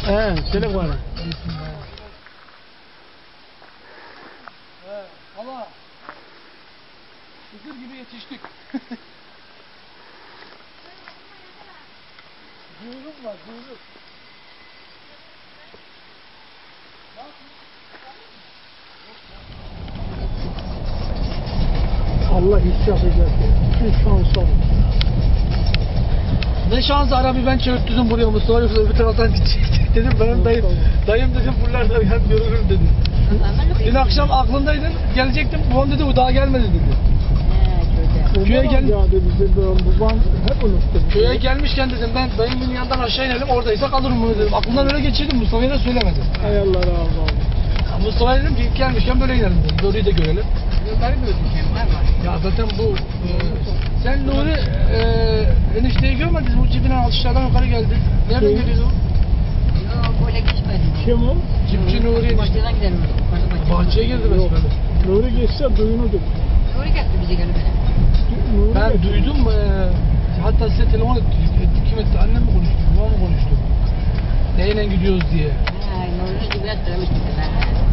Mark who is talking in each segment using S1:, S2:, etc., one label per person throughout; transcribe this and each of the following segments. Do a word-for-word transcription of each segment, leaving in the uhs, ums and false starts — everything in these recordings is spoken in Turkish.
S1: He, çelek var.
S2: Evet, ama Hızır gibi yetiştik. Duyurum var, duyurum.
S1: Allah hiç yapacak. Şu şansa.
S2: Ne şansı arabayı ben çevirttirdim buraya Mustafa yoksa öbür taraftan gidecek dedim. Benim dayım, dayım dedim buralarda ben görürüm dedi. Dün akşam aklındaydın, gelecektim. Babam dedi o daha gelmedi dedi. Köye gel.
S1: Babam hep unuttum.
S2: Köye gelmişken dedim ben dayımın yanından aşağı inelim oradaysa kalırım bunu dedim. Aklımdan öyle geçirdim, Mustafa'ya da söylemedim.
S1: Hay Allah razı olsun.
S2: Mustafa'ya dedim ki ilk gelmişken böyle inelim dedim. Nuri'yi de görelim. Ya zaten bu e, sen Nuri e, enişteyi görmediniz mi? Bu cibinden altışlardan yukarı geldi. Nereden
S1: Kim?
S2: geliyordu o?
S3: Yok böyle geçmedi.
S1: Kim o?
S2: Cipçi Nuri enişte.
S3: Bahçeden gidelim.
S2: Bahçeye girdi
S1: Yok.
S2: besmele.
S1: Nuri geçse duyunudur.
S3: Nuri geldi bize gelip.
S1: Nuri
S2: Ben
S1: geçse.
S2: duydum. E, hatta size telefon ettik. ettik kim etti? Annem mi konuştu? Babam mı konuştu? Neyle gidiyoruz diye.
S3: Ha, Nuri gibi yatırmış bir de.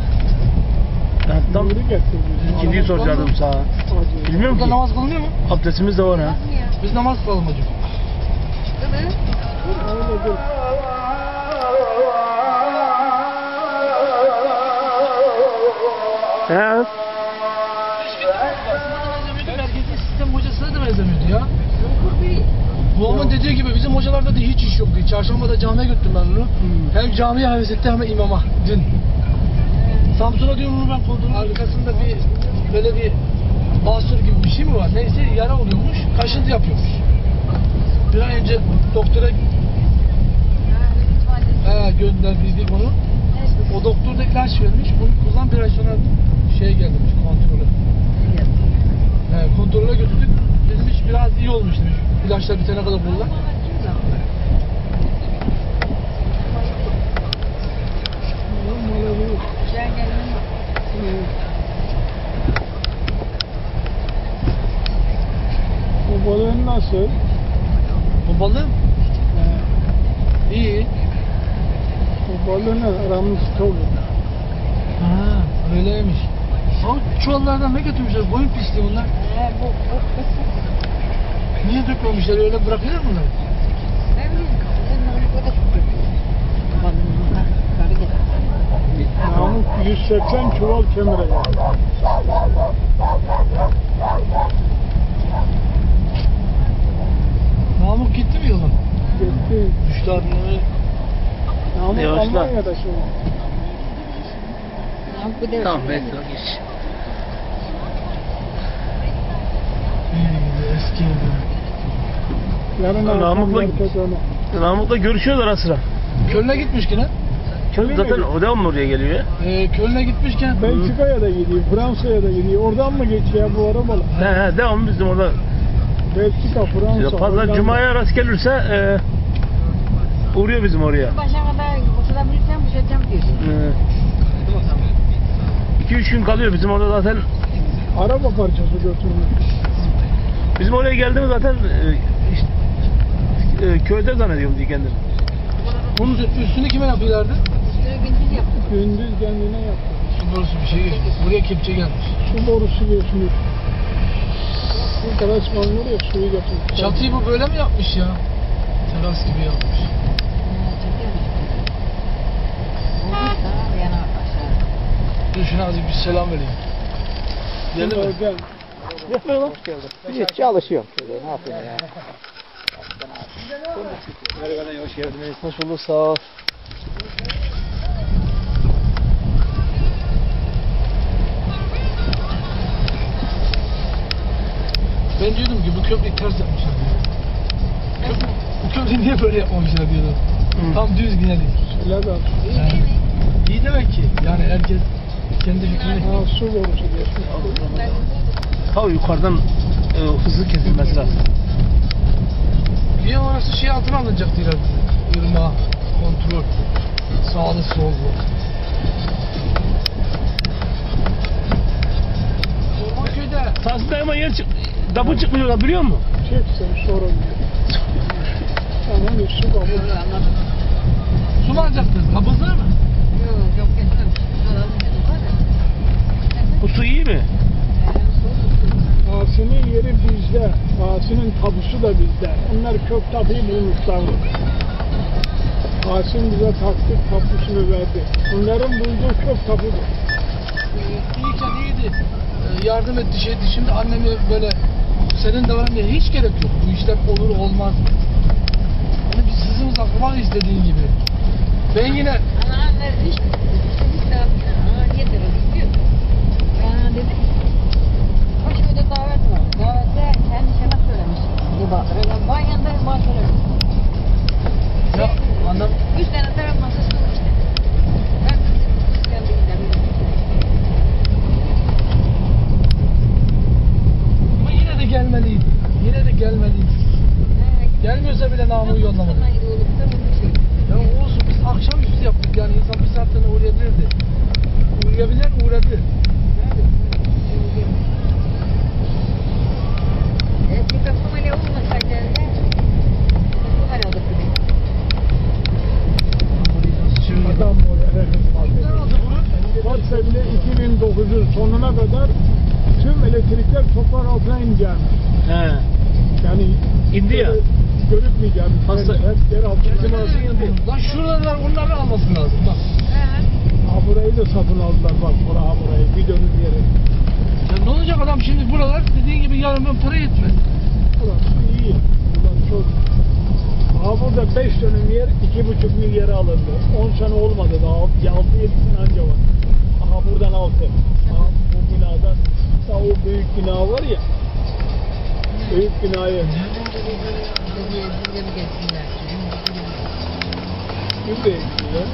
S4: Tam
S1: Nuri geçse.
S4: ikinciyi soracaktım sana. Bilmiyorum
S2: Burada
S4: ki.
S2: namaz kılınıyor mu?
S4: Abdestimiz de var ha.
S2: Biz namaz kılalım hocam.
S3: Değil mi?
S1: Öyledir.
S4: He.
S2: Merkezi sistem hocasına da benzemiyordu ya.
S3: Yokur biri.
S2: Babamın dediği gibi bizim hocalarda da hiç iş yoktu. Çarşambada camiye götürdüm ben onu.
S1: Hmm.
S2: Hem camiye heves etti hem de imama dün. Samsun'a diyorum onu ben koltuğun arkasında bir böyle bir basur gibi bir şey mi var? Neyse yara oluyormuş, kaşıntı yapıyormuş. Bir ay önce doktora he, gönderdiydik onu. O doktor da ilaç vermiş. Bunu kullan bir ay sonra şey gelmiş kontrolü. He, kontrole götürdük. Dedim hiç biraz iyi olmuş demiş. İlaçlar bitene kadar kullan.
S3: Güzel gelin.
S1: Bu balığın nasıl?
S2: Bu balığı iyi.
S1: Bu balığın aramız dolu.
S2: Ha, öyleymiş. Ama çuvallardan ne götürmüşler? Boyun pisliği bunlar.
S3: He bu bu.
S2: Niye dökmemişler? Öyle bırakılır mı bunlar?
S3: Ne bileyim. Sen Nuri bu da çok. Bana karı getir.
S1: Namık yüz seksen çuval kemire geldi.
S2: Namık gitti mi yolun?
S1: Gitti.
S2: Düştü adını.
S1: Namık
S4: Yavaşla.
S1: Almanya'da şimdi.
S3: Namık bu da.
S4: Tamam bekle geç.
S2: Eski evde.
S1: Yarın
S4: Namık'la-
S1: akşam onu.
S4: Namık'la görüşüyorlar ara sıra.
S2: Köln'e gitmiş yine.
S4: Çünkü zaten o devam mı oraya geliyor ya?
S2: Ee, Köln'e gitmişken
S1: Belçika'ya da gidiyor, Fransa'ya da gidiyor. Oradan mı geçiyor bu arabalar?
S4: He he devam bizim orada.
S1: Belçika, Fransa.
S4: Pazar
S1: Hollanda.
S4: Cuma'ya rast gelirse e, uğruyor bizim oraya.
S3: Başa kadar boşalabilirsem boşalacağım diyorsun.
S4: iki üç gün kalıyor bizim orada zaten.
S1: Araba parçası götürmüş.
S4: Bizim oraya geldiğimiz zaten e, işte, e, köyde zannediyorum diye kendini.
S2: bunun üstünü kime yapıyorlardı?
S3: Üstüne gündüz yaptım.
S1: Gündüz kendine yaptı.
S2: Su borusu bir şey geçmiş. Buraya kepçe gelmiş.
S1: Su borusu geçmiş. Bu terasman var ya suyu götürmüş.
S2: Çatıyı bu böyle mi yapmış ya? Teras gibi yapmış.
S3: Ha, çekiyor musun? Olmuş da yana aşağı.
S2: Dur şuna azıcık bir selam vereyim. Geldi mi?
S1: Gel.
S5: Hiç çalışıyorum şöyle, ne yapayım ya.
S4: Merhaba, hoş geldiniz. Hoş bulduk, sağ ol.
S2: Ben diyordum ki bu köprüyü ters yapmışlar. Köprü, bu köprüyü niye böyle yapmamışlar diyordum.
S4: Hı.
S2: Tam düz yine değil.
S1: Şöyle bak.
S2: Yani, iyi demek ki. Yani herkes kendi fikrini...
S1: Ha, su borusu geçmiş.
S4: Ha yukarıdan e, hızlı kesilmesi lazım.
S2: Niye orası şey altına alınacak diyorlar bize. Irmağa, kontrol. Sağlı sollu. Ormanköy'de
S4: Tahsin ama yer çık, dabı çıkmıyorlar biliyor musun?
S1: Çek sen sorun. Tamam, su kabul.
S2: su mu alacaktınız? Kabız var mı?
S3: Yok yok geçmemiş. Alalım dedim var ya.
S4: Bu su iyi mi?
S1: Asi'nin yeri bizde. Asi'nin tapusu da bizde. Onlar kök tapuyu bulmuşlar. Asi'nin bize taktik tapusunu verdi. Onların bulduğu kök tapudur.
S2: İyiyken iyiydi. Ee, yardım etti şeydi. Şimdi annemi böyle senin de var diye hiç gerek yok. Bu işler olur olmaz. Hani biz sızımız akrabayız dediğin gibi. Ben yine
S3: Ana anne hiç hiç daha ana niye terörü diyor. Ben dedim. O şöyle davet var. Davette kendi şemak söylemiş. Bu bakır. Ben yanındayım bana söylemiş.
S2: ya annem
S3: Üç tane taraf masası var işte. Ben kendi gidelim.
S2: ama yine de gelmeliydi. Yine de gelmeliydi. Gelmiyorsa bile namı yollamadı. Ya olsun biz akşamüstü yaptık yani insan bir saatten uğrayabilirdi. Uğrayabilen uğradı.
S3: Eski kapım öyle olmasaydı evde bu hal olurdu benim.
S1: Adam oraya
S2: Ne oldu bunu?
S1: varsa bile iki bin dokuzun sonuna kadar tüm elektrikler toprak altına ineceğim.
S4: He.
S1: Yani
S4: İndi ya.
S1: görükmeyeceğim.
S4: Hasta-
S1: Hep yer altına.
S2: Bizim arası indi. Lan şuralar onları alması lazım bak.
S1: Ha burayı da satın aldılar bak bura ha burayı bir dönüm yeri.
S2: Ya ne olacak adam şimdi buralar dediğin gibi yarın ben para yetmez.
S1: Burası iyi. Burası çok. Ha burada beş dönüm yer iki buçuk milyara alındı. on sene olmadı daha. altı yedi sene anca var. Aha buradan altı. Aha bu binadan. Daha o büyük bina var ya. Büyük binayı. Gübreye gidiyor.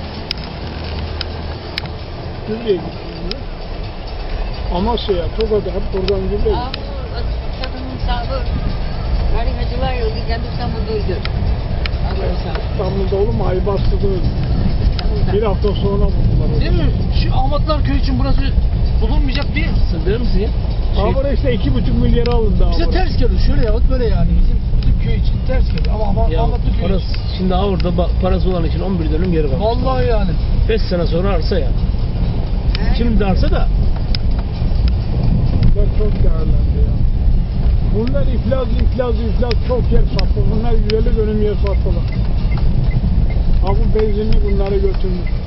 S1: Gübreye gidiyor. Amasya'ya, Tokat'a hep buradan gübre gidiyor.
S3: Kadının sahibi harikacılar yolu giden İstanbul'daydı.
S1: İstanbul'da oğlum Aybastı'da öldü. Bir hafta sonra buldular onu.
S2: Değil mi? Şu Ahmetler Köyü için burası bulunmayacak değil.
S4: Sen der misin ya?
S1: Ha burası işte iki buçuk milyara alındı.
S2: Bize
S1: ha burası.
S2: ters geliyor şöyle yahut böyle yani. Bizim, bizim köy için ters geliyor. Ama ama
S4: Ya
S2: Ahmetli Köyü
S4: parası,
S2: için.
S4: şimdi ha orada ba- parası olan için on bir dönüm yeri var.
S2: Vallahi yani.
S4: beş sene sonra arsa ya. Şimdi de arsa da
S1: Bunlar çok değerlendi ya. Bunlar iflas, iflas, iflas çok yer sattı. Bunlar yüz elli dönüm yer sattılar. Ha bu benzinli bunları götürmüş.